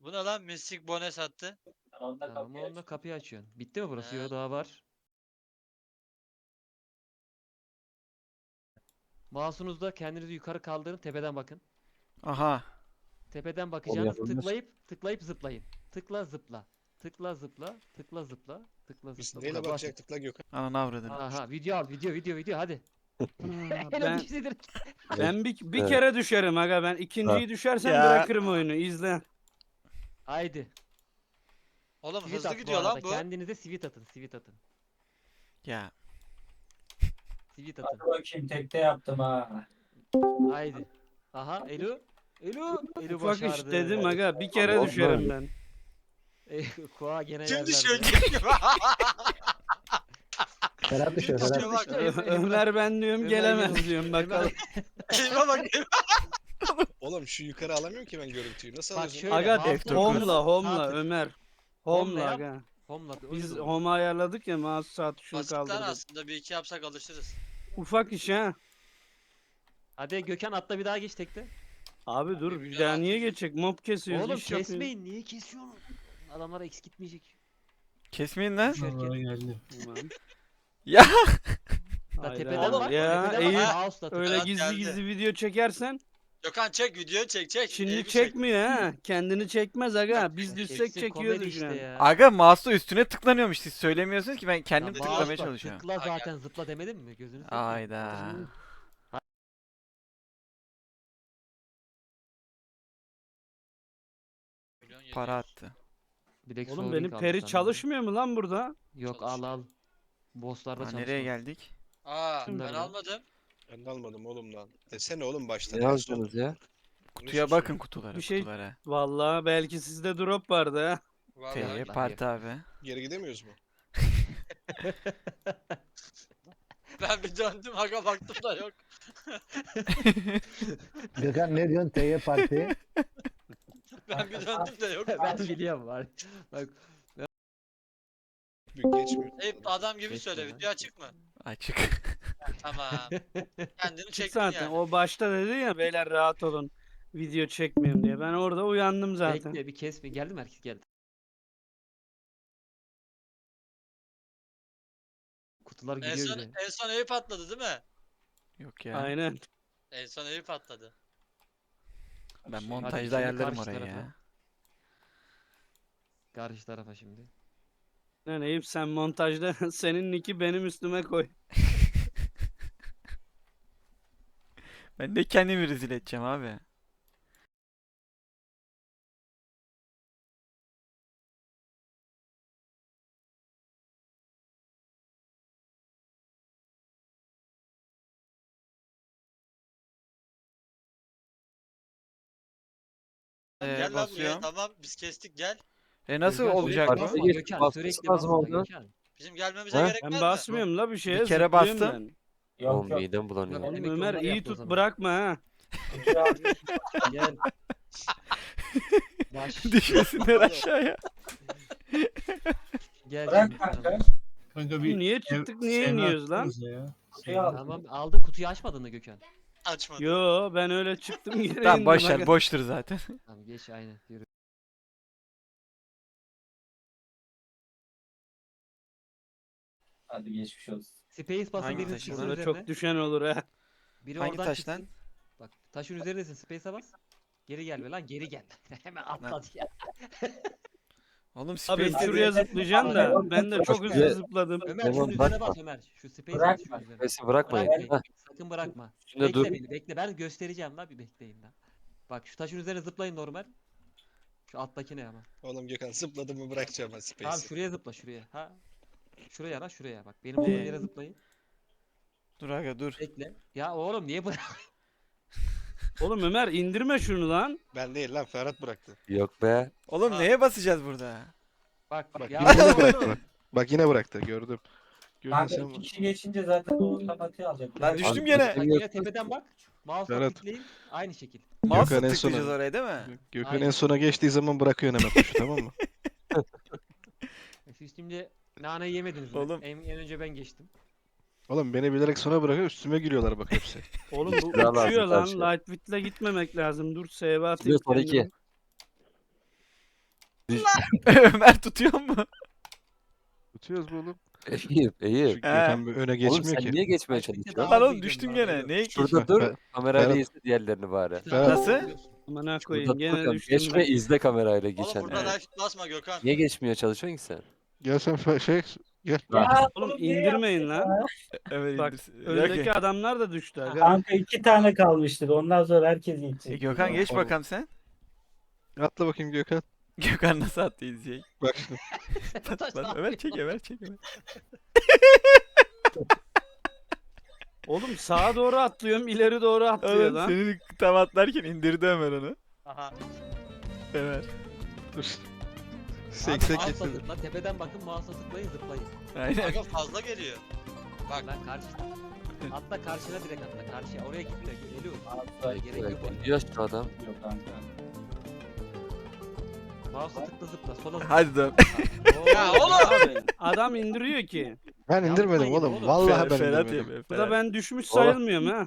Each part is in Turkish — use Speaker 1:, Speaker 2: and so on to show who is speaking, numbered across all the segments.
Speaker 1: Bu ne lan? Mystic Bone sattı.
Speaker 2: Tamam onunla kapıyı açıyorsun. Bitti mi burası?
Speaker 1: He.
Speaker 2: Yok daha var. Mouse'unuzda kendinizi yukarı kaldırın, tepeden bakın.
Speaker 3: Aha.
Speaker 2: Tepeden
Speaker 4: Onu
Speaker 2: bakacağınız
Speaker 4: yapamıyoruz.
Speaker 2: tıklayıp zıplayın. Tıkla zıpla. Tıkla zıpla. Tıkla zıpla. Tıkla
Speaker 5: Biz
Speaker 2: zıpla. Bu
Speaker 5: neyle
Speaker 2: kadar basit.
Speaker 5: bakacaktık la Gökhan?
Speaker 3: Ananı avradını.
Speaker 2: Aha video al video hadi. Helal
Speaker 6: Ben
Speaker 2: düştü direkt.
Speaker 6: bir
Speaker 4: Evet.
Speaker 6: kere düşerim aga, ben ikinciyi düşersem
Speaker 3: Ya.
Speaker 6: bırakırım oyunu, izle.
Speaker 2: Haydi.
Speaker 1: Oğlum
Speaker 2: Sweet
Speaker 1: hızlı
Speaker 2: at bu
Speaker 1: gidiyor
Speaker 2: arada.
Speaker 1: lan bu.
Speaker 2: Kendinize sweet atın. Sweet atın.
Speaker 3: Ya.
Speaker 2: Sweet atın.
Speaker 7: Hadi bakayım tekte yaptım ha.
Speaker 2: Haydi. Aha Elu. Elu
Speaker 6: Ufak iş
Speaker 2: başardı.
Speaker 6: dedim aga, bir kere
Speaker 4: Oldu
Speaker 6: düşerim
Speaker 4: öyle.
Speaker 6: ben.
Speaker 2: Koa gene
Speaker 1: Kim
Speaker 2: yerlerde.
Speaker 1: düşüyor kim?
Speaker 4: Ferhat düşüyor
Speaker 1: Kim
Speaker 4: Ferhat.
Speaker 1: düşüyor bak.
Speaker 6: Ömer ben diyorum
Speaker 2: Ömer
Speaker 6: gelemez
Speaker 2: geliyor.
Speaker 6: diyorum bakalım.
Speaker 1: Elime bak.
Speaker 5: Oğlum şu yukarı alamıyorum ki ben görüntüyü. Nasıl
Speaker 2: Bak
Speaker 5: alıyorsun?
Speaker 2: şöyle.
Speaker 6: Aga
Speaker 2: mouse'la
Speaker 3: F9.
Speaker 6: home'la
Speaker 2: sağ tık.
Speaker 6: Ömer.
Speaker 2: Home'la
Speaker 6: Home'la
Speaker 2: yap.
Speaker 6: aga.
Speaker 2: Home'la.
Speaker 6: Biz home'u ayarladık ya, mouse sağ tuşunu
Speaker 1: Basit lan
Speaker 6: kaldırdık.
Speaker 1: aslında bir iki yapsak alışırız.
Speaker 6: Ufak iş ha.
Speaker 2: Hadi Gökhan atla bir daha geç tekte.
Speaker 6: Abi dur,
Speaker 1: Güzel
Speaker 6: bir daha niye
Speaker 1: atmış.
Speaker 6: geçecek? Mob kesiyoruz,
Speaker 2: Oğlum
Speaker 6: iş yapıyoruz.
Speaker 2: kesmeyin. Niye kesiyorsun? Adamlara eks gitmeyecek.
Speaker 3: Kesmeyin lan.
Speaker 2: Düşerken.
Speaker 6: Tamam.
Speaker 3: Ya.
Speaker 2: Da
Speaker 6: Hayır
Speaker 2: tepeden
Speaker 6: abi.
Speaker 2: bak.
Speaker 6: Ya,
Speaker 2: tepeden
Speaker 6: Eyüp,
Speaker 2: bak. Mouse'la tıkla.
Speaker 6: Öyle
Speaker 1: Evet,
Speaker 6: gizli
Speaker 1: geldi.
Speaker 6: gizli video çekersen
Speaker 1: Gökhan çek video çek.
Speaker 6: şimdi
Speaker 1: Eyüp'ü
Speaker 6: çekmiyor ha. Kendini çekmez aga. Biz düşsek
Speaker 2: Çeksin, komedi
Speaker 6: çekiyoruz şu an.
Speaker 2: işte ya.
Speaker 3: Aga mouse'la üstüne tıklanıyormuş. Siz söylemiyorsunuz ki ben kendim
Speaker 2: Ya
Speaker 3: tıklamaya
Speaker 2: mouse bak,
Speaker 3: çalışıyorum.
Speaker 2: Tıkla zaten zıpla demedim mi? Gözünü seveyim.
Speaker 3: Ayda. Para attı.
Speaker 2: Bir de
Speaker 6: Oğlum
Speaker 2: sol
Speaker 6: benim
Speaker 2: link aldı
Speaker 6: peri
Speaker 2: sandım.
Speaker 6: çalışmıyor mu lan burada?
Speaker 2: Yok al. Bosslarda
Speaker 3: Aa,
Speaker 2: çalışmaz.
Speaker 3: nereye geldik?
Speaker 1: Aa
Speaker 6: Şimdi
Speaker 1: ben
Speaker 6: ben-
Speaker 1: almadım.
Speaker 5: Ben de almadım oğlum lan. Desene oğlum başta.
Speaker 4: Ne
Speaker 5: ters
Speaker 4: yazdınız
Speaker 5: oldu.
Speaker 4: ya?
Speaker 3: Kutuya bakın kutulara
Speaker 6: Bir şey-
Speaker 3: kutulara.
Speaker 6: Vallahi belki sizde drop vardı ha.
Speaker 1: Vallahi
Speaker 3: T'ye
Speaker 2: lan
Speaker 3: parti abi.
Speaker 5: Geri gidemiyoruz mu?
Speaker 1: ben bir döndüm aga baktım da yok.
Speaker 4: Gökhan ne diyorsun? TY Parti.
Speaker 1: Ben bir döndüm de yok.
Speaker 2: Ben biliyorum var. Bak
Speaker 5: Büyük geçmiyor.
Speaker 1: Eyüp adam gibi
Speaker 2: Geçti
Speaker 1: söyle
Speaker 2: lan.
Speaker 1: video açık mı?
Speaker 3: Açık.
Speaker 1: Tamam. Kendini
Speaker 6: Çık
Speaker 1: çektin
Speaker 6: zaten.
Speaker 1: yani.
Speaker 6: O başta dedi ya, beyler rahat olun. Video çekmiyorum diye. Ben orada uyandım zaten.
Speaker 2: bekle bir kesme. Geldi mi herkes geldi. Kutular
Speaker 1: En
Speaker 2: gidiyor
Speaker 1: son,
Speaker 2: bile.
Speaker 1: en son Eyüp atladı değil mi?
Speaker 3: Yok ya.
Speaker 6: Aynen.
Speaker 1: En son Eyüp atladı.
Speaker 3: Ben
Speaker 2: Hadi
Speaker 3: montajda
Speaker 2: şimdi
Speaker 3: ayarlarım
Speaker 2: karşı
Speaker 3: orayı
Speaker 2: tarafa.
Speaker 3: ya.
Speaker 2: Karşı tarafa şimdi.
Speaker 6: Lan Eyüp, sen montajda senin nick'i benim üstüme koy.
Speaker 3: Ben de kendimi rezil edeceğim abi.
Speaker 1: Gel lan buraya
Speaker 3: Basıyorum.
Speaker 1: tamam biz kestik gel.
Speaker 3: Nasıl
Speaker 2: Gökhan,
Speaker 3: olacak
Speaker 2: sürekli
Speaker 3: bu?
Speaker 2: basma,
Speaker 4: Geç,
Speaker 2: Gökhan,
Speaker 4: basması
Speaker 2: sürekli
Speaker 4: lazım
Speaker 2: basma,
Speaker 4: orada.
Speaker 2: Gökhan.
Speaker 1: Bizim gelmemize
Speaker 4: Ha?
Speaker 1: gerek var
Speaker 6: Ben
Speaker 1: mı?
Speaker 6: basmıyorum la bir şeye,
Speaker 3: Bir kere
Speaker 6: zıplıyorum
Speaker 3: bastım.
Speaker 6: ben.
Speaker 4: Oğlum
Speaker 7: Yok.
Speaker 4: midem bulanıyor.
Speaker 2: Yok.
Speaker 6: Oğlum
Speaker 2: Demek ki
Speaker 6: Ömer,
Speaker 2: onlar
Speaker 6: iyi
Speaker 2: yaptı o
Speaker 6: tut,
Speaker 2: zaman.
Speaker 6: bırakma ha.
Speaker 2: Gel. Baş.
Speaker 3: Düşmesinler aşağıya.
Speaker 2: Gel
Speaker 7: Bırak
Speaker 2: şimdi
Speaker 7: kanka.
Speaker 2: sana.
Speaker 8: Kanka
Speaker 6: Niye çıktık, niye iniyoruz lan?
Speaker 8: Ya.
Speaker 7: Şey aldım.
Speaker 2: Tamam aldım kutuyu açmadın mı Gökhan?
Speaker 1: Açmadım.
Speaker 6: Yo, ben öyle çıktım geri
Speaker 3: Tamam
Speaker 6: indim
Speaker 3: boş ver
Speaker 6: aga.
Speaker 3: boştur zaten.
Speaker 2: Tamam geç aynen yürü.
Speaker 7: Hadi geçmiş olsun.
Speaker 2: Space basın
Speaker 3: Hangi
Speaker 2: birinin
Speaker 3: taş
Speaker 2: çıksın
Speaker 3: lan?
Speaker 6: Burada
Speaker 2: üzerine.
Speaker 6: çok düşen olur ha.
Speaker 2: Biri
Speaker 3: Hangi
Speaker 2: oradan
Speaker 3: taş
Speaker 2: çıksın.
Speaker 3: lan?
Speaker 2: Bak taşın üzerindesin space'e bas. Geri gel be lan geri gel. Hemen atladı ya.
Speaker 3: Oğlum
Speaker 6: Abi
Speaker 3: Space'de
Speaker 6: şuraya zıplayacağım da ben de çok hızlı
Speaker 4: Şuraya-
Speaker 6: zıpladım.
Speaker 2: Ömer
Speaker 4: Tamam,
Speaker 2: şunun üzerine
Speaker 4: bırakma.
Speaker 2: bas Ömer. Şu space'e bas
Speaker 7: Bırakma.
Speaker 2: şunun üzerine.
Speaker 4: Neyse bırakmayın.
Speaker 2: Bırakmayın.
Speaker 4: Ha,
Speaker 2: Sakın bırakma.
Speaker 4: üstünde
Speaker 2: Bekle
Speaker 4: dur.
Speaker 2: beni bekle ben göstereceğim la bir bekleyin la. Bak şu taşın üzerine zıplayın normal. Şu alttakine ama.
Speaker 5: Oğlum Gökhan zıpladı mı bırakacağım ben
Speaker 2: Tamam
Speaker 5: Space'i.
Speaker 2: şuraya zıpla şuraya. Ha. Şuraya la şuraya bak. Benim olduğum yere zıplayın.
Speaker 3: Dur aga dur.
Speaker 2: Bekle. Ya oğlum niye bırak?
Speaker 6: Oğlum Ömer, indirme şunu lan.
Speaker 5: Ben değil lan Ferhat bıraktı.
Speaker 4: Yok be.
Speaker 3: Oğlum
Speaker 1: Ha.
Speaker 3: neye basacağız burada?
Speaker 2: Bak
Speaker 5: Bak
Speaker 2: ya
Speaker 5: yine
Speaker 2: oğlum.
Speaker 5: bıraktı bak. Bak yine bıraktı gördüm. Gördün
Speaker 7: Kanka
Speaker 5: sen
Speaker 7: iki
Speaker 5: mi?
Speaker 7: kişi geçince zaten o otomatiği alacak.
Speaker 3: Lan düştüm
Speaker 4: Abi,
Speaker 3: gene.
Speaker 2: Bak yine tepeden bak. Mouse'la
Speaker 5: Ferhat.
Speaker 2: tıklayın. Aynı şekil.
Speaker 3: Mouse'la
Speaker 5: Gökhan en
Speaker 3: tıklayacağız
Speaker 5: sona-
Speaker 3: oraya değil mi?
Speaker 5: Gökhan
Speaker 2: Aynen.
Speaker 5: en sona geçtiği zaman bırakıyorsun hemen tuşu tamam mı?
Speaker 2: Siz şimdi naneyi yemediniz mi?
Speaker 3: Oğlum.
Speaker 2: En önce ben geçtim.
Speaker 5: Oğlum beni bilerek sona bırakıyor üstüme gülüyorlar bak hepsi.
Speaker 6: Oğlum bu
Speaker 4: Silah lazım
Speaker 6: uçuyor lan.
Speaker 4: karşıya.
Speaker 6: Lightwit'le gitmemek lazım. Dur, save atayım
Speaker 4: Gidiyor son iki.
Speaker 6: kendime.
Speaker 3: Ömer tutuyor mu?
Speaker 8: Tutuyoruz bu oğlum.
Speaker 9: Eyüp, Eyüp.
Speaker 8: Çünkü Gökhan öne
Speaker 9: Oğlum
Speaker 8: geçmiyor
Speaker 9: sen
Speaker 8: ki.
Speaker 9: niye geçmeye
Speaker 2: Kaç bitti
Speaker 9: çalışıyorsun?
Speaker 2: daha?
Speaker 3: Lan oğlum düştün gene. Neye
Speaker 9: Şurada
Speaker 3: geçiyorsun?
Speaker 9: dur.
Speaker 8: Ben-
Speaker 9: Kamerayla
Speaker 8: Ferhat-
Speaker 9: izle diğerlerini bari.
Speaker 3: Nasıl?
Speaker 6: Amına
Speaker 9: Şurada
Speaker 6: koyayım
Speaker 9: dur
Speaker 6: gene
Speaker 9: bakalım.
Speaker 6: düştüm.
Speaker 9: Geçme
Speaker 6: ben.
Speaker 9: izle kamerayla
Speaker 1: Oğlum
Speaker 9: geçen.
Speaker 1: burada da basma Gökhan.
Speaker 9: Niye geçmeye çalışıyorsun ki sen?
Speaker 8: Gel sen gel.
Speaker 7: Ya,
Speaker 6: Oğlum
Speaker 7: niye
Speaker 6: indirmeyin lan.
Speaker 3: Evet
Speaker 6: Bak,
Speaker 3: indirsin.
Speaker 6: Öndeki adamlar da düştü. aga.
Speaker 7: Kanka 2 tane kalmıştır. Ondan sonra herkes gidecek.
Speaker 3: Gökhan geç bakalım sen.
Speaker 8: Atla bakayım Gökhan.
Speaker 3: Gökhan nasıl attı izleyecek?
Speaker 8: Bak şimdi.
Speaker 3: Lan Ömer çek Ömer çek Ömer.
Speaker 6: Oğlum sağa doğru atlıyorum, ileri doğru atlıyor
Speaker 3: Oğlum
Speaker 6: lan.
Speaker 3: seni tam atlarken indirdi Ömer onu.
Speaker 1: Aha.
Speaker 3: Ömer.
Speaker 8: Dur.
Speaker 2: Abi
Speaker 8: Seksek
Speaker 2: mouse'a
Speaker 8: getirdim.
Speaker 2: tıkla, tepeden bakın mouse'a tıklayın zıplayın.
Speaker 3: Aynen.
Speaker 1: Aga fazla geliyor. Bak
Speaker 2: Lan karşıda. Atla karşına direkt atla karşıya. Oraya git de geliyor.
Speaker 7: Altta
Speaker 2: Gerek yok oraya.
Speaker 9: Gidiyor şu adam.
Speaker 7: gidiyor kanka.
Speaker 2: Mouse'a tıkla zıpla. Sola zıpla.
Speaker 3: Hadi dön.
Speaker 1: Ya oğlum.
Speaker 6: Abi, adam indiriyor ki.
Speaker 8: Ben indirmedim
Speaker 2: Yapmayın
Speaker 8: oğlum.
Speaker 2: oğlum.
Speaker 8: Vallahi ben
Speaker 3: Ferhat
Speaker 8: indirmedim.
Speaker 3: yapıyor.
Speaker 6: Bu da ben düşmüş
Speaker 9: Oğlum.
Speaker 6: sayılmıyorum ha.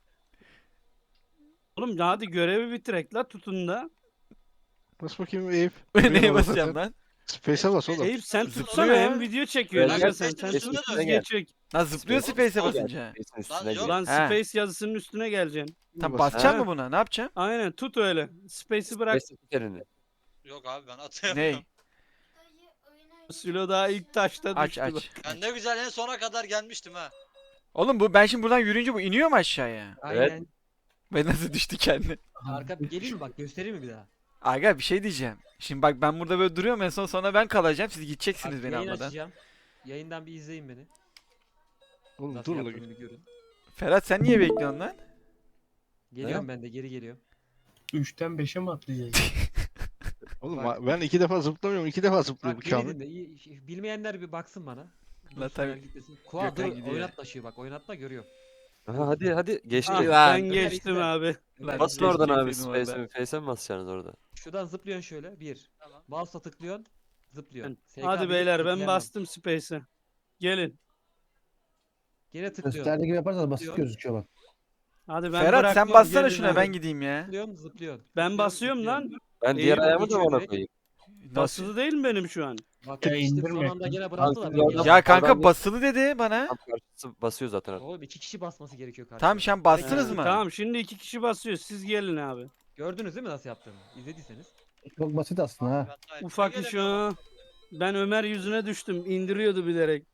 Speaker 6: Oğlum hadi görevi bitirek la tutun da.
Speaker 8: Bas bakayım Eyüp.
Speaker 3: Neye basacağım lan?
Speaker 8: Space'e bas oğlum.
Speaker 6: Eyüp sen
Speaker 3: Zıplıyor
Speaker 6: tutsana
Speaker 3: ya.
Speaker 6: hem video çekiyor.
Speaker 9: Gel,
Speaker 6: Aga
Speaker 9: gel,
Speaker 6: sen
Speaker 1: Space'in
Speaker 6: sen
Speaker 1: üstüne
Speaker 6: tut
Speaker 1: dön.
Speaker 6: geçecek.
Speaker 3: Lan zıplıyor Space'e
Speaker 1: Gel.
Speaker 3: basınca.
Speaker 9: Space'in
Speaker 1: Lan
Speaker 9: üstüne
Speaker 1: yok.
Speaker 9: gel.
Speaker 6: Lan
Speaker 3: He.
Speaker 6: space yazısının üstüne geleceksin.
Speaker 3: Tam
Speaker 8: Bas.
Speaker 3: basacak
Speaker 6: Ha.
Speaker 3: mı buna? Ne yapacaksın?
Speaker 6: Aynen tut öyle. Space'i bırak.
Speaker 9: Space'in terini.
Speaker 1: Yok abi ben atayamıyorum.
Speaker 3: Ney?
Speaker 6: Sülo daha ilk taşta
Speaker 3: Aç
Speaker 6: düştü.
Speaker 3: aç.
Speaker 1: Ben ne güzel en sona kadar gelmiştim ha.
Speaker 3: Oğlum bu ben şimdi buradan yürüyünce bu iniyor mu aşağıya?
Speaker 2: Aynen.
Speaker 3: Ve nasıl düştü kendi?
Speaker 2: Arka geleyim mi bak göstereyim mi bir daha?
Speaker 3: Aga bir şey diyeceğim. Şimdi bak ben burada böyle duruyorum en son sonra ben kalacağım. Siz
Speaker 2: Bak,
Speaker 3: gideceksiniz beni
Speaker 2: yayın
Speaker 3: almadan.
Speaker 2: açacağım. Yayından bir izleyin beni.
Speaker 8: Oğlum
Speaker 2: Nasıl
Speaker 8: dur lan.
Speaker 2: yaptığımı bir görün.
Speaker 3: Ferhat sen niye bekliyorsun lan?
Speaker 2: Geliyorum ben de geri geliyorum.
Speaker 10: 3'ten 5'e mi atlayacağız?
Speaker 8: Oğlum
Speaker 2: Bak.
Speaker 8: ben 2 defa zıplamıyorum. 2 defa zıplıyor bu
Speaker 2: Bak beni
Speaker 8: Kamil.
Speaker 2: dinle. Bilmeyenler bir baksın bana.
Speaker 3: La tabii.
Speaker 2: Kuğa
Speaker 3: Gökhan
Speaker 2: dur
Speaker 3: gidiyor.
Speaker 2: oynat taşıyor bak oynatma görüyor.
Speaker 9: Aha, hadi geçti.
Speaker 6: Ah,
Speaker 3: Lan.
Speaker 6: ben geçtim abi.
Speaker 3: Lan
Speaker 9: Basın oradan abi.
Speaker 3: geçeceksin orada.
Speaker 9: Face'e mi basacaksınız orada?
Speaker 2: Şuradan zıplıyorsun şöyle. Bir.
Speaker 1: Tamam.
Speaker 2: Mouse'la tıklıyorsun. Zıplıyorsun. SK
Speaker 6: Hadi
Speaker 2: bir,
Speaker 6: beyler ben
Speaker 2: tıklayamam.
Speaker 6: bastım space'e. Gelin.
Speaker 2: Gene tıklıyorsun.
Speaker 4: Gösterdiği gibi yaparsanız basit
Speaker 2: Diyor.
Speaker 4: gözüküyor bak.
Speaker 6: Hadi ben
Speaker 3: Ferhat sen
Speaker 6: bıraktım,
Speaker 3: bassana
Speaker 6: gelin
Speaker 3: şuna
Speaker 6: hadi.
Speaker 3: ben gideyim ya.
Speaker 2: Zıplıyorsun zıplıyorsun.
Speaker 6: Ben
Speaker 2: Zıplıyorsun,
Speaker 6: basıyorum
Speaker 2: zıplıyorsun.
Speaker 6: lan.
Speaker 9: Ben diğer
Speaker 6: Eyüp
Speaker 9: ayağımı da
Speaker 2: geçiyor
Speaker 9: ona
Speaker 2: direkt.
Speaker 9: koyayım.
Speaker 3: Nasıl?
Speaker 6: Basılı değil mi benim şu an?
Speaker 2: Bak
Speaker 10: Ya
Speaker 2: geçtim son
Speaker 10: indirme.
Speaker 2: anda gene
Speaker 9: Kanka,
Speaker 2: bıraktılar.
Speaker 9: ya-
Speaker 2: beni.
Speaker 3: Ya kanka
Speaker 9: Oradan-
Speaker 3: basılı dedi bana.
Speaker 9: Tam karşısı basıyor zaten.
Speaker 2: Oğlum 2 kişi basması gerekiyor karşıya.
Speaker 3: Tamam şu an bastınız
Speaker 6: He,
Speaker 3: mı?
Speaker 6: Tamam şimdi 2 kişi basıyor. Siz gelin abi.
Speaker 2: Gördünüz değil mi nasıl yaptığımı? İzlediyseniz.
Speaker 4: Çok basit aslında ha.
Speaker 1: Ben daha
Speaker 6: Ufak
Speaker 1: gelemiyorum.
Speaker 6: iş o. Ben Ömer yüzüne düştüm. İndiriyordu bilerek.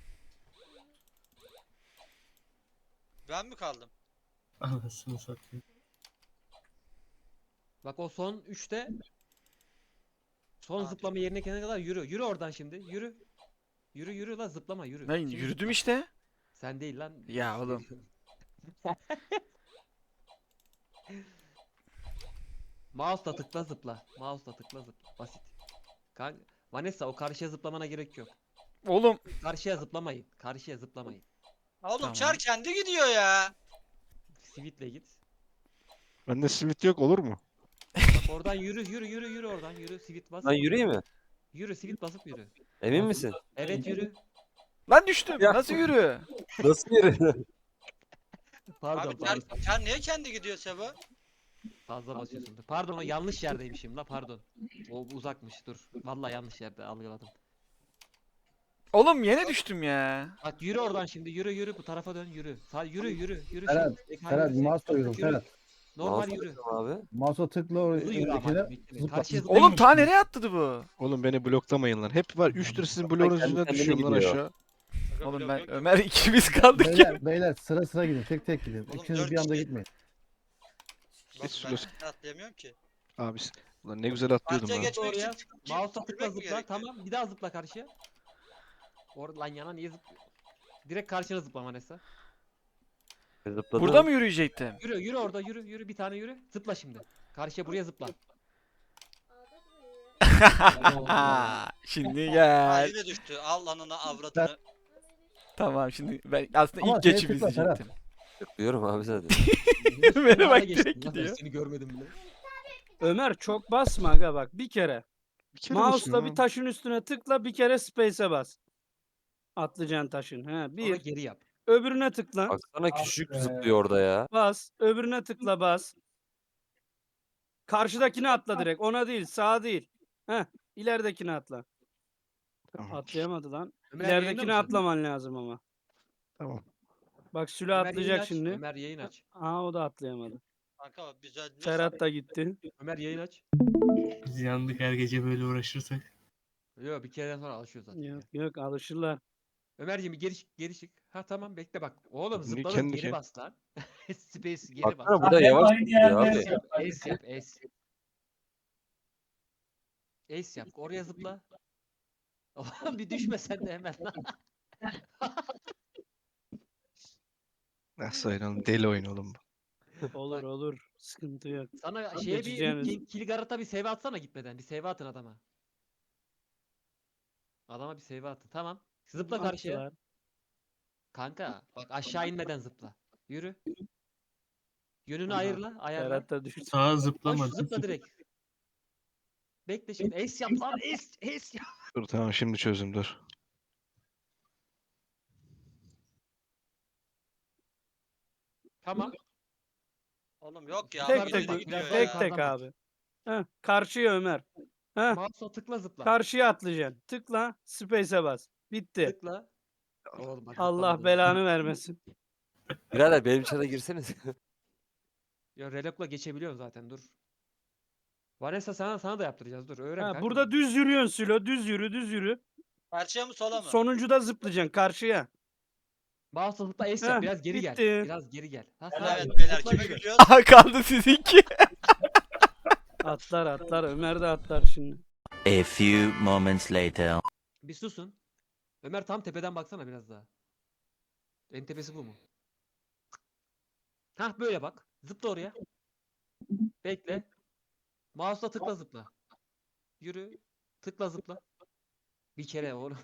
Speaker 1: Ben mi kaldım?
Speaker 10: Anasını satayım.
Speaker 2: Bak o son 3'te son zıplama yerine gelene kadar yürü. Yürü oradan şimdi. Yürü. Yürü lan zıplama yürü.
Speaker 3: Ben
Speaker 2: Şimdi
Speaker 3: yürüdüm
Speaker 2: zıpla.
Speaker 3: işte.
Speaker 2: Sen değil lan.
Speaker 3: Ya oğlum.
Speaker 2: Mouse'la tıkla zıpla. Mouse'la tıkla zıpla. Basit. Vanessa o karşıya zıplamana gerek yok.
Speaker 3: Oğlum
Speaker 2: Karşıya zıplamayın. Karşıya zıplamayın.
Speaker 1: Oğlum
Speaker 3: Tamam.
Speaker 1: Çar kendi gidiyor ya.
Speaker 2: Sweet'le git.
Speaker 8: Bende simit yok olur mu?
Speaker 2: Bak oradan yürü oradan yürü. Sweet bas.
Speaker 9: Lan yürüyeyim mi?
Speaker 2: Yürü sweet basıp yürü.
Speaker 9: Emin misin?
Speaker 2: Evet yürü.
Speaker 3: lan düştüm.
Speaker 9: Ya.
Speaker 3: Nasıl yürü?
Speaker 9: Nasıl yürü?
Speaker 2: Pardon
Speaker 1: Abi Çar,
Speaker 2: pardon.
Speaker 1: Çar niye kendi gidiyor Seba?
Speaker 2: Fazla basıyorsun. Pardon o yanlış yerdeymişim la pardon. O uzakmış dur. Vallahi yanlış yerde algıladım.
Speaker 3: Oğlum yine düştüm ya.
Speaker 2: Bak yürü oradan şimdi yürü bu tarafa dön yürü. Sağ yürü.
Speaker 4: Ferhat,
Speaker 2: şimdi.
Speaker 4: Ferhat
Speaker 2: Yürü,
Speaker 4: mouse
Speaker 2: yürü,
Speaker 4: koyuyorum
Speaker 2: yürü.
Speaker 4: Ferhat.
Speaker 2: Normal
Speaker 9: Mouse'la
Speaker 2: yürü.
Speaker 9: tutuyorum abi.
Speaker 4: Mouse'a tıkla oraya
Speaker 2: Hızlı yürü ama.
Speaker 4: öndekine.
Speaker 2: bekle.
Speaker 4: zıpla.
Speaker 2: Karşıya zıpla.
Speaker 3: Oğlum ta nereye atladı bu?
Speaker 8: Oğlum beni bloklamayın lan. Hep var 3 lira sizin bloğunuz
Speaker 9: kendi
Speaker 8: yüzünden
Speaker 9: kendine
Speaker 8: düşüyorum lan
Speaker 9: gidiyor.
Speaker 8: aşağı.
Speaker 1: Aga
Speaker 3: Oğlum
Speaker 1: blok
Speaker 3: ben
Speaker 1: yok.
Speaker 3: Ömer ikimiz kaldık ya.
Speaker 4: Beyler sıra gidin. Tek gidin.
Speaker 1: Oğlum,
Speaker 4: İkiniz
Speaker 1: dört
Speaker 4: bir anda
Speaker 1: kişi.
Speaker 4: gitmeyin.
Speaker 1: Bak,
Speaker 8: Geç
Speaker 1: ben
Speaker 8: şurası.
Speaker 1: atlayamıyorum ki.
Speaker 8: Abi ulan ne güzel atlıyordum
Speaker 1: Karşıya
Speaker 8: ha.
Speaker 1: geçmek
Speaker 2: Oraya.
Speaker 1: için
Speaker 2: Mouse'la tıkla
Speaker 1: yürümek mi
Speaker 2: zıpla.
Speaker 1: gerekiyor?
Speaker 2: Tamam bir daha zıpla karşıya. Lan yana niye zıplıyor? Direkt karşına zıpla Vanessa.
Speaker 9: Zıpladım.
Speaker 3: Burada mı yürüyecektim?
Speaker 2: Yürü orada yürü bir tane yürü. Zıpla şimdi. Karşıya buraya zıpla.
Speaker 3: Şimdi
Speaker 1: Ha,
Speaker 3: gel.
Speaker 1: yine düştü. Al lanına avradını.
Speaker 3: Tamam şimdi ben aslında
Speaker 4: Ama
Speaker 3: ilk
Speaker 4: şeye
Speaker 3: geçip
Speaker 4: tıkla Ferhat.
Speaker 3: izleyecektim.
Speaker 9: Tıklıyorum abi zaten.
Speaker 3: Ömer'e bak
Speaker 2: Geçtin
Speaker 3: direkt
Speaker 2: lan,
Speaker 3: gidiyor.
Speaker 2: ben Seni görmedim bile.
Speaker 6: Ömer çok basma aga bak bir kere.
Speaker 8: Bir kere
Speaker 6: Mouse'la
Speaker 8: basıyorum
Speaker 6: bir
Speaker 8: ha.
Speaker 6: taşın üstüne tıkla bir kere space'e bas. Atlayacaksın taşın. He
Speaker 2: Sonra
Speaker 6: bir.
Speaker 2: geri yap.
Speaker 6: Öbürüne tıkla.
Speaker 9: Baksana küçük
Speaker 7: be.
Speaker 9: zıplıyor orada ya.
Speaker 6: Bas. Öbürüne tıkla bas. Karşıdakine atla direkt. Ona değil sağa değil. Heh. İleridekini atla.
Speaker 8: Tamam.
Speaker 6: Atlayamadı lan.
Speaker 2: Ömer yayında
Speaker 6: İleridekini
Speaker 2: mısın?
Speaker 6: atlaman lazım ama.
Speaker 8: Tamam.
Speaker 6: Bak Sülo
Speaker 2: Ömer yayın
Speaker 6: atlayacak
Speaker 2: aç.
Speaker 6: şimdi.
Speaker 2: Ömer yayın aç.
Speaker 6: Aa o da atlayamadı.
Speaker 1: Kanka biz ölmüyorsak
Speaker 6: Serhat da gitti.
Speaker 2: Ömer yayın aç.
Speaker 10: Biz yandık her gece böyle uğraşırsak.
Speaker 2: Yok bir kereden sonra alışıyor zaten.
Speaker 6: Yok yok alışırlar.
Speaker 2: Ömerciğim bir geri çık. Ha tamam bekle bak. Oğlum
Speaker 8: Niye
Speaker 2: zıpladın
Speaker 8: kendi
Speaker 2: geri
Speaker 8: şey-
Speaker 2: bas lan. Space geri bas.
Speaker 9: Baksana bu da
Speaker 7: Hep
Speaker 9: yavaş
Speaker 7: aynı
Speaker 9: gidiyor
Speaker 7: yerde
Speaker 9: abi.
Speaker 7: yaşıyor.
Speaker 2: Ace yap ace. Ace yap. Oraya zıpla. Oğlum bir düşme sen de hemen lan.
Speaker 8: Nasıl oynayalım? Deli oyun oğlum bu.
Speaker 6: Olur olur. Sıkıntı yok.
Speaker 2: Sana şeye
Speaker 6: geçeceğiniz.
Speaker 2: bir Kilgarat'a bir save atsana gitmeden. Bir save atın adama. Adama bir save atın. Tamam. Zıpla karşıya.
Speaker 6: Attılar.
Speaker 2: Kanka bak aşağı inmeden zıpla. Yürü. Yönünü ayarla. Ayarla.
Speaker 6: Serhat da düştü.
Speaker 10: Sağa
Speaker 2: Lan
Speaker 10: zıplamadı.
Speaker 2: şu zıpla direkt. Bekle şimdi. Ace yap lan. Ace yap.
Speaker 8: Dur tamam şimdi çözdüm dur.
Speaker 2: Tamam.
Speaker 1: oğlum yok ya.
Speaker 6: Tek
Speaker 2: Yukarıdan
Speaker 6: tek
Speaker 2: bak,
Speaker 1: gidiyor
Speaker 2: biraz
Speaker 1: ya.
Speaker 6: tek
Speaker 2: daha
Speaker 6: tek
Speaker 2: yukarıdan bak.
Speaker 6: abi. Heh, karşıya Ömer. Heh,
Speaker 2: Mouse'a tıkla zıpla.
Speaker 6: karşıya atlayacaksın. Tıkla, space'e bas. Bitti.
Speaker 2: Tıkla. Oğlum bak
Speaker 6: Allah
Speaker 2: zıplamadın.
Speaker 6: belanı vermesin.
Speaker 9: Birader benim çara girseniz.
Speaker 2: Ya relokla geçebiliyorum zaten dur. Vanessa sana da yaptıracağız dur öğren
Speaker 6: Ha,
Speaker 2: kanka.
Speaker 6: burada düz yürüyorsun Sülo. Düz yürü, düz yürü.
Speaker 1: Karşıya mı sola mı?
Speaker 6: Sonuncuda zıplayacaksın karşıya.
Speaker 2: Mouse'a zıpla ace
Speaker 6: Heh,
Speaker 2: yap biraz geri gel.
Speaker 6: bitti.
Speaker 2: Biraz geri gel. Ha,
Speaker 1: Evet
Speaker 2: sağa gel.
Speaker 1: beyler
Speaker 2: Zıpla
Speaker 1: kime
Speaker 2: yürü.
Speaker 1: gidiyoruz?
Speaker 3: Aha kaldı sizinki.
Speaker 6: Atlar atlar. Ömer de atlar şimdi.
Speaker 11: A few moments later.
Speaker 2: Bir susun. Ömer tam tepeden baksana biraz daha. En tepesi bu mu? Hah böyle bak. Zıpla oraya. Bekle. Mouse'la tıkla zıpla. Yürü. Tıkla zıpla. Bir kere oğlum.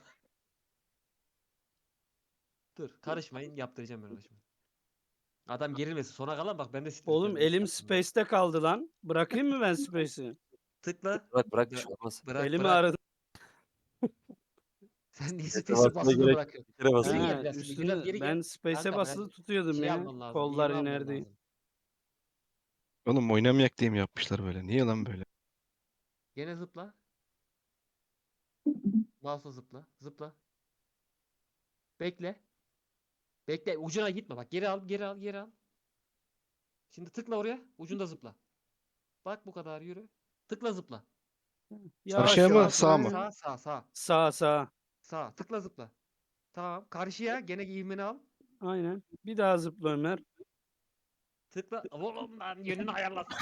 Speaker 2: Dur karışmayın yaptıracağım ben ona şimdi. Adam gerilmesin sona kalan bak ben de
Speaker 6: Oğlum
Speaker 2: stresleniyorum
Speaker 6: elim
Speaker 2: şimdi.
Speaker 6: space'te kaldı lan. Bırakayım mı ben space'i?
Speaker 2: Tıkla.
Speaker 9: Bırak bir şey olmaz.
Speaker 2: Bırak
Speaker 6: Elimi
Speaker 2: bırak.
Speaker 6: ağrıdı.
Speaker 2: Sen niye
Speaker 9: Space'e
Speaker 2: space'i
Speaker 9: basmaya
Speaker 2: basılı
Speaker 9: gerek
Speaker 2: bırakıyorsun?
Speaker 9: Bir kere basın.
Speaker 2: Geri
Speaker 6: Ha,
Speaker 2: gel biraz şimdi,
Speaker 6: üstüne
Speaker 2: biraz geri
Speaker 6: ben
Speaker 2: gel.
Speaker 6: space'e
Speaker 2: Kanka,
Speaker 6: basılı
Speaker 2: ben
Speaker 6: tutuyordum
Speaker 2: Şey
Speaker 6: ya.
Speaker 2: alman lazım.
Speaker 6: Kollar
Speaker 2: iğne alman
Speaker 6: iner diye.
Speaker 2: lazım.
Speaker 8: Oğlum oynamayak diye mi yapmışlar böyle? Niye lan böyle?
Speaker 2: Gene zıpla. Mouse'la zıpla. Zıpla. Bekle. Bekle. Ucuna gitme. Bak geri al. Geri al. Geri al. Şimdi tıkla oraya. Ucunda zıpla. Bak bu kadar yürü. Tıkla zıpla.
Speaker 6: Yavaş
Speaker 8: Karşıya mı,
Speaker 6: yavaş
Speaker 8: sağa
Speaker 6: Ömer.
Speaker 8: mı?
Speaker 2: Sağ.
Speaker 6: Sağ sağ.
Speaker 2: Sağ. Tıkla zıpla. Tamam. Karşıya gene ivmeni al.
Speaker 6: Aynen. Bir daha zıpla Ömer.
Speaker 2: Tıkla. Oğlum lan yönünü ayarlasana.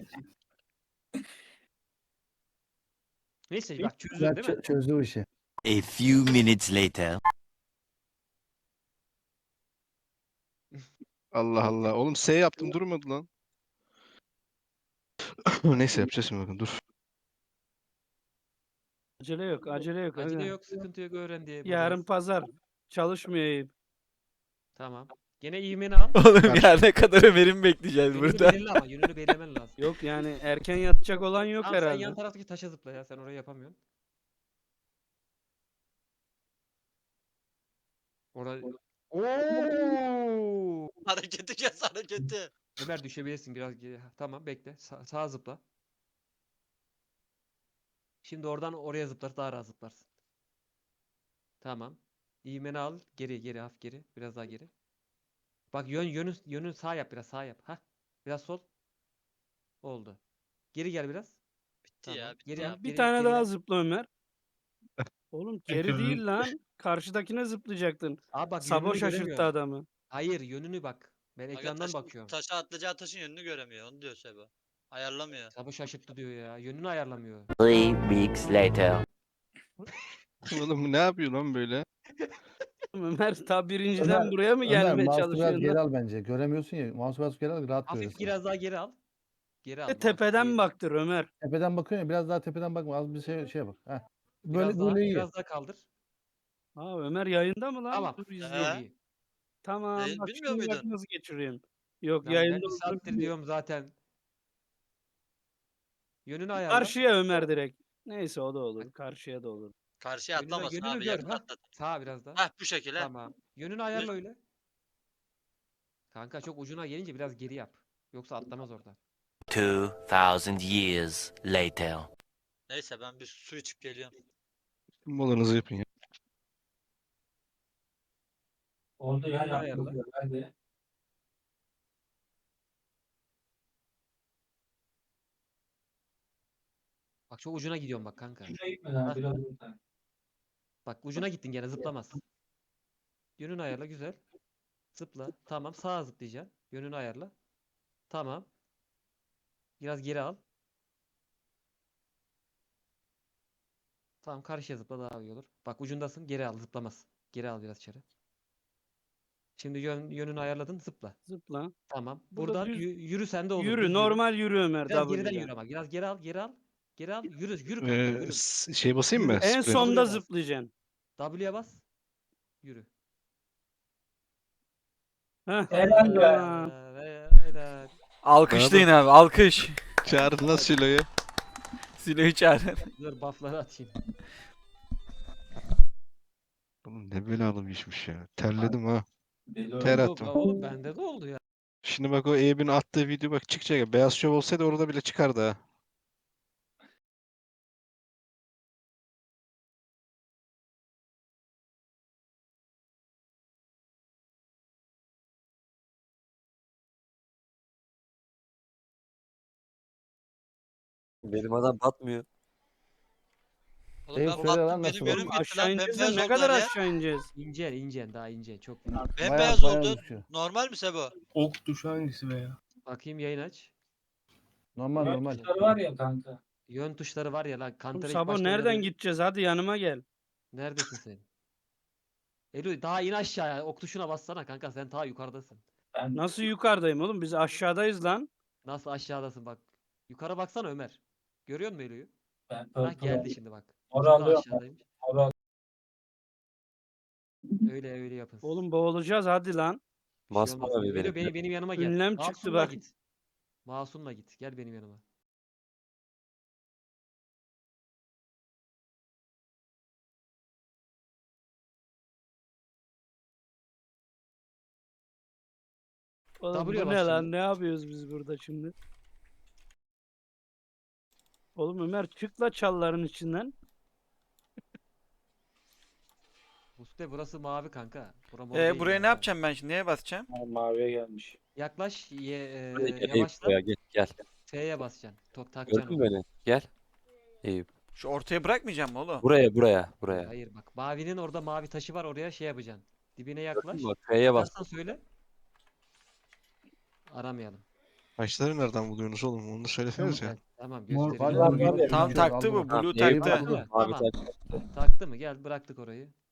Speaker 2: Neyse bak çözdün
Speaker 4: Güzel
Speaker 2: değil mi?
Speaker 4: çözdü bu işi.
Speaker 11: A few minutes later.
Speaker 8: Allah Allah. Oğlum S yaptım durmadı lan. Neyse yapacağız şimdi bakın dur.
Speaker 6: Acele yok. Acele yok.
Speaker 2: Acele
Speaker 6: aga.
Speaker 2: yok. Sıkıntı yok. Öğren diye.
Speaker 6: Yarın
Speaker 2: buradayız.
Speaker 6: pazar. Çalışmıyor Eyüp.
Speaker 2: Tamam. Gene ivmeni al.
Speaker 3: Oğlum ya ne kadar Ömer'imi bekleyeceğiz
Speaker 2: Yönünü
Speaker 3: burada.
Speaker 2: belirle ama. Yönünü belirlemen lazım.
Speaker 6: Yok yani erken yatacak olan yok
Speaker 2: Tamam sen
Speaker 6: herhalde.
Speaker 2: yan taraftaki taşa zıpla ya. Sen orayı yapamıyorsun. Orayı... Oo!
Speaker 1: Hareketi kes hareketi.
Speaker 2: Ömer düşebilirsin biraz geri. Ha, tamam bekle. Sağa zıpla. Şimdi oradan oraya zıplar daha rahat zıplarsın. Tamam. İğmeni al. Geri hafif geri. Biraz daha geri. Bak yönün sağ yap biraz sağ yap. Ha. Biraz sol. Oldu. Geri gel biraz.
Speaker 1: Bitti ya. Bitti
Speaker 2: Geri
Speaker 1: ya.
Speaker 2: yap.
Speaker 6: Bir
Speaker 2: geri
Speaker 6: tane
Speaker 2: yap,
Speaker 6: daha
Speaker 2: geri yap.
Speaker 6: zıpla Ömer. Oğlum geri değil lan. Karşıdakine zıplayacaktın.
Speaker 2: Abi bak
Speaker 6: Sabo
Speaker 2: yönünü
Speaker 6: şaşırttı
Speaker 2: göremiyorum.
Speaker 6: adamı.
Speaker 2: Hayır yönünü bak. Ben
Speaker 1: Aga
Speaker 2: ekrandan bakıyorum.
Speaker 1: taşa atlayacağı taşın yönünü göremiyor. Onu diyor Sebo. Ayarlamıyor.
Speaker 2: Sabo şaşırttı diyor ya. Yönünü ayarlamıyor.
Speaker 11: 3 weeks later.
Speaker 8: Oğlum bu ne yapıyor lan böyle?
Speaker 6: Ömer ta birinciden
Speaker 4: Ömer,
Speaker 6: buraya mı
Speaker 4: Ömer
Speaker 6: gelmeye
Speaker 4: mouse'u biraz
Speaker 6: çalışıyorsun?
Speaker 4: geri
Speaker 6: lan?
Speaker 4: al bence. Göremiyorsun ya. Mouse'u biraz geri al rahat
Speaker 2: Hafif
Speaker 4: görüyorsun.
Speaker 2: biraz daha geri al. Geri al.
Speaker 6: Tepeden
Speaker 2: geri.
Speaker 6: baktır Ömer.
Speaker 4: Tepeden bakıyorsun ya biraz daha tepeden bakma. Az bir şeye bak. Heh. Böyle
Speaker 2: Biraz daha,
Speaker 4: böyle iyi.
Speaker 2: biraz daha kaldır.
Speaker 6: Aa Ömer yayında mı lan?
Speaker 2: Tamam.
Speaker 6: Dur
Speaker 1: He.
Speaker 6: izleyeyim.
Speaker 2: İyi.
Speaker 6: Tamam
Speaker 1: Bilmiyor
Speaker 6: bak şimdi bak
Speaker 1: muydun?
Speaker 6: nasıl geçiriyorsun. Yok
Speaker 2: Lan ben
Speaker 6: yayında
Speaker 2: bir
Speaker 6: olduğunu
Speaker 2: saattir
Speaker 6: bilmiyorum.
Speaker 2: diyorum zaten. Yönünü ayarla.
Speaker 6: Karşıya Ömer direkt. Neyse o da olur. Karşıya da olur.
Speaker 1: Karşıya atlamasın
Speaker 2: yönünü
Speaker 1: abi.
Speaker 2: gör,
Speaker 1: Yakın
Speaker 2: ha.
Speaker 1: atlat.
Speaker 2: Sağa biraz daha.
Speaker 1: Hah bu şekilde.
Speaker 2: Tamam. Yönünü ayarla öyle. Kanka çok ucuna gelince biraz geri yap. Yoksa atlamaz oradan.
Speaker 11: 2000 years later.
Speaker 1: Neyse ben bir su içip geliyorum.
Speaker 8: Molanızı yapın ya.
Speaker 7: Oldu ya
Speaker 2: Yönünü ayarla.
Speaker 7: yaptık. Hadi.
Speaker 2: Bak çok ucuna gidiyorum bak kanka.
Speaker 7: Şuraya gitmeden
Speaker 2: Ha.
Speaker 7: biraz buradan.
Speaker 2: Bak ucuna gittin gene zıplamaz. Yönünü ayarla güzel. Zıpla. Tamam sağa zıplayacaksın. Yönünü ayarla. Tamam. Biraz geri al. Tamam karşıya zıpla daha iyi olur. Bak ucundasın geri al zıplamaz. Geri al biraz içeri. Şimdi yönünü ayarladın zıpla.
Speaker 6: Zıpla.
Speaker 2: Tamam.
Speaker 6: Burada
Speaker 2: Buradan
Speaker 6: düz-
Speaker 2: yürü sende olur.
Speaker 6: Yürü
Speaker 2: düz
Speaker 6: normal yürü Ömer
Speaker 2: Biraz geriden
Speaker 6: W'den.
Speaker 2: yürü ama. Biraz geri al geri al. Geri al. Yürü kanka yürü.
Speaker 8: Şey basayım mı?
Speaker 6: En
Speaker 8: Sprint.
Speaker 6: sonda
Speaker 2: bas.
Speaker 6: zıplayacaksın.
Speaker 2: W'ye bas. Yürü.
Speaker 6: Heh.
Speaker 7: Helal be.
Speaker 2: Helal.
Speaker 3: Alkışlayın abi alkış.
Speaker 8: Çağırın lan Silo'yu.
Speaker 3: Silo'yu çağırın.
Speaker 2: Dur buff'ları atayım.
Speaker 8: Oğlum ne belalı bir işmiş ya. Terledim ha.
Speaker 7: Deli
Speaker 8: Ter
Speaker 7: oldu.
Speaker 8: attım.
Speaker 2: Oğlum bende de oldu ya.
Speaker 8: Şimdi bak o Eyüp'ün attığı video bak çıkacak ya. Beyaz Şov olsaydı orada bile çıkardı ha.
Speaker 9: Benim adam batmıyor.
Speaker 1: Oğlum
Speaker 4: Eyüp
Speaker 1: ben
Speaker 4: söyle lan
Speaker 1: baktım
Speaker 4: nasıl
Speaker 1: benim
Speaker 4: oldu?
Speaker 1: yönüm gitti
Speaker 6: Aşağı
Speaker 1: lan.
Speaker 6: ineceğiz de
Speaker 1: Bembeyaz
Speaker 6: ne
Speaker 1: oldu
Speaker 6: kadar
Speaker 1: ya.
Speaker 6: aşağı ineceğiz?
Speaker 2: İncen daha ince çok.
Speaker 1: Bembeyaz
Speaker 4: Bayağı
Speaker 1: oldu.
Speaker 4: düşüyor.
Speaker 1: Normal mi Sebo?
Speaker 10: Ok tuşu hangisi be ya?
Speaker 2: Bakayım yayın aç.
Speaker 4: Normal normal.
Speaker 7: Tuşları var ya kanka.
Speaker 2: Yön tuşları var ya lan.
Speaker 6: Oğlum
Speaker 2: Kantar'a ilk
Speaker 6: Sabo
Speaker 2: başta
Speaker 6: nereden
Speaker 2: oynadığı-
Speaker 6: gideceğiz? Hadi yanıma gel.
Speaker 2: Neredesin sen? Elu daha in aşağıya. Ok tuşuna bassana kanka sen daha yukarıdasın.
Speaker 7: Ben
Speaker 6: Nasıl yukarıdayım oğlum? Biz aşağıdayız lan.
Speaker 2: Nasıl aşağıdasın bak. Yukarı baksana Ömer. Görüyor musun Elu'yu?
Speaker 7: ben
Speaker 2: Bak geldi şimdi bak.
Speaker 7: Moral
Speaker 2: Şimdi
Speaker 7: alıyorum.
Speaker 2: aşağıdaymış.
Speaker 7: Moral.
Speaker 2: Öyle yapın.
Speaker 6: Oğlum boğulacağız hadi lan.
Speaker 2: Bir şey
Speaker 9: Masma
Speaker 2: olmaz.
Speaker 9: abi
Speaker 2: Elu
Speaker 9: benim.
Speaker 2: benim yanıma gel.
Speaker 6: Ünlem çıktı
Speaker 2: Masum'la
Speaker 6: bak.
Speaker 2: git. Masum'la git. Gel benim yanıma.
Speaker 6: Oğlum
Speaker 2: W'ye
Speaker 6: bu
Speaker 2: bas
Speaker 6: ne lan?
Speaker 2: şimdi.
Speaker 6: Ne yapıyoruz biz burada şimdi? Oğlum Ömer çık la çalların içinden.
Speaker 2: Mustafa burası mavi kanka. Bura mor değil
Speaker 3: Buraya
Speaker 2: yani.
Speaker 3: ne yapacağım ben şimdi? Neye basacağım?
Speaker 7: Maviye gelmiş.
Speaker 2: Yaklaş.
Speaker 9: Hadi gel Eyüp
Speaker 2: Yavaşla.
Speaker 9: buraya gel.
Speaker 2: F'ye basacaksın. Takacaksın
Speaker 9: Gördün
Speaker 2: onu.
Speaker 9: mü beni? Gel. Eyüp.
Speaker 3: Şu ortaya bırakmayacağım mı oğlum?
Speaker 9: Buraya.
Speaker 2: Hayır bak. Mavinin orada mavi taşı var. Oraya şey yapacaksın. Dibine yaklaş.
Speaker 9: Gördün mü? F'ye bas.
Speaker 2: Ararsan söyle. Aramayalım.
Speaker 8: Taşları nereden buluyorsunuz oğlum? Onu da söylesenize.
Speaker 2: Gel, tamam
Speaker 4: Mor
Speaker 2: göstereceğim.
Speaker 4: var
Speaker 7: var ya.
Speaker 3: Tam taktı bu.
Speaker 8: Aldım.
Speaker 3: Blue
Speaker 9: Eyüp
Speaker 3: taktı.
Speaker 9: bak,
Speaker 2: Tamam.
Speaker 9: Mavi
Speaker 2: Tamam.
Speaker 9: taş.
Speaker 2: Taktı mı? Gel bıraktık orayı.